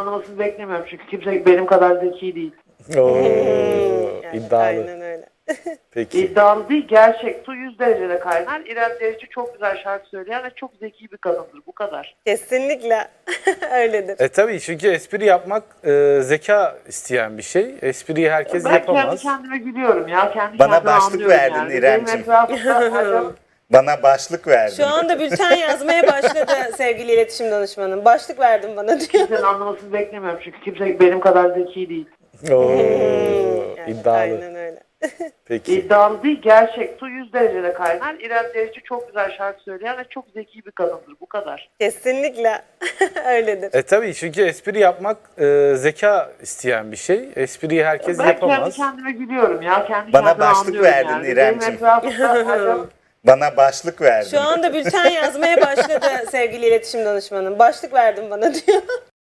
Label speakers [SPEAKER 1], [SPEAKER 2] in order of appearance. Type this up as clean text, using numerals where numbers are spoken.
[SPEAKER 1] anlamasını beklemiyorum çünkü kimse benim kadar zeki değil.
[SPEAKER 2] Oo,
[SPEAKER 3] Yani
[SPEAKER 2] iddialı.
[SPEAKER 3] aynen öyle.
[SPEAKER 2] Peki.
[SPEAKER 1] İddialı değil, gerçek. Su 100 derecede kaynar. İrem Derici çok güzel şarkı söyleyen ve çok zeki bir kadındır. Bu kadar.
[SPEAKER 3] Kesinlikle öyledir.
[SPEAKER 2] Tabii çünkü espri yapmak zeka isteyen bir şey. Espriyi herkes
[SPEAKER 1] Ben
[SPEAKER 2] yapamaz.
[SPEAKER 1] kendi kendime gülüyorum ya. Kendi
[SPEAKER 4] Bana
[SPEAKER 1] kendime
[SPEAKER 4] başlık
[SPEAKER 1] anlıyorum
[SPEAKER 4] verdin
[SPEAKER 1] yani.
[SPEAKER 4] İremciğim.
[SPEAKER 1] Benim etrafımda acaba
[SPEAKER 4] Bana başlık verdin.
[SPEAKER 3] Şu anda bülten yazmaya başladı sevgili iletişim danışmanım. Başlık verdim bana diyor.
[SPEAKER 1] kimsenin anlamasını beklemiyorum çünkü kimse benim kadar zeki değil.
[SPEAKER 2] Oo,
[SPEAKER 3] Yani
[SPEAKER 2] iddialı.
[SPEAKER 3] aynen öyle.
[SPEAKER 2] Peki.
[SPEAKER 1] İddialı değil, gerçek. Su 100 derecede kaynar. İrem Derici çok güzel şarkı söyleyen ve çok zeki bir kadındır. Bu kadar.
[SPEAKER 3] Kesinlikle öyledir.
[SPEAKER 2] Tabii çünkü espri yapmak zeka isteyen bir şey. Espriyi herkes
[SPEAKER 1] Ben kendi
[SPEAKER 2] yapamaz.
[SPEAKER 1] kendime gülüyorum ya. Kendi
[SPEAKER 4] Bana
[SPEAKER 1] kendime
[SPEAKER 4] başlık
[SPEAKER 1] anlıyorum
[SPEAKER 4] verdin
[SPEAKER 1] yani.
[SPEAKER 4] İremciğim.
[SPEAKER 1] Benim etrafımda acaba
[SPEAKER 4] Bana başlık verdin.
[SPEAKER 3] Şu anda bülten yazmaya başladı sevgili iletişim danışmanım. Başlık verdim bana diyor.